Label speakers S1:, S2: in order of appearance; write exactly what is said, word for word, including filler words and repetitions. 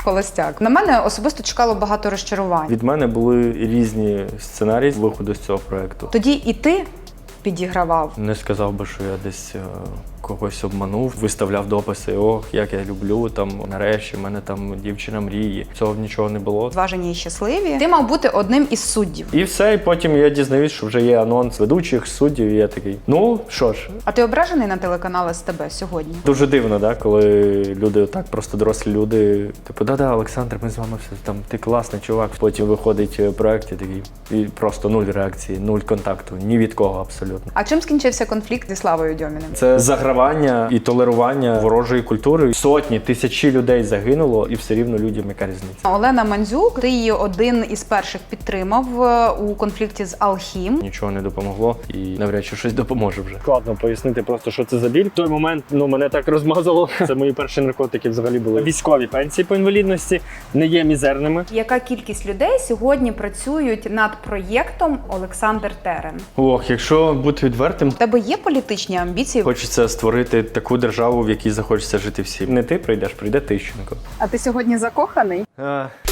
S1: холостяк. На мене особисто чекало багато розчарувань.
S2: Від мене були різні сценарії виходу з цього проєкту.
S1: Тоді і ти підігравав.
S2: Не сказав би, що я десь е, когось обманув, виставляв дописи, ох, як я люблю, там, нарешті, в мене там дівчина мрії. Цього нічого не було.
S1: Зважені і щасливі. Ти мав бути одним із суддів.
S2: І все, і потім я дізнаюсь, що вже є анонс ведучих, суддів, і я такий, ну, що ж.
S1: А ти ображений на телеканал ес те бе сьогодні?
S2: Дуже дивно, да, коли люди отак, просто дорослі люди, типу, да-да, Олександр, ми з вами все, там, ти класний чувак. Потім виходить проєкт і такий, і просто нуль реакції, нуль контакту, ні від кого абсолютно.
S1: А чим скінчився конфлікт зі Славою Дьоміним?
S2: Це загравання і толерування ворожої культури. Сотні, тисячі людей загинуло, і все рівно людям яка різниця.
S1: Олена Мандзюк, ти її один із перших підтримав у конфлікті з Алхім.
S2: Нічого не допомогло і навряд чи щось допоможе вже.
S3: Складно пояснити просто, що це за біль. В той момент ну, мене так розмазало. Це мої перші наркотики взагалі були. Військові пенсії по інвалідності не є мізерними.
S1: Яка кількість людей сьогодні працюють над проєктом Олександр Терен?
S2: Ох, якщо бути відвертим,
S1: У тебе є політичні амбіції?
S2: хочеться створити таку державу, в якій захочеться жити всім. Не ти прийдеш, прийде Тищенко.
S1: А ти сьогодні закоханий?
S2: А,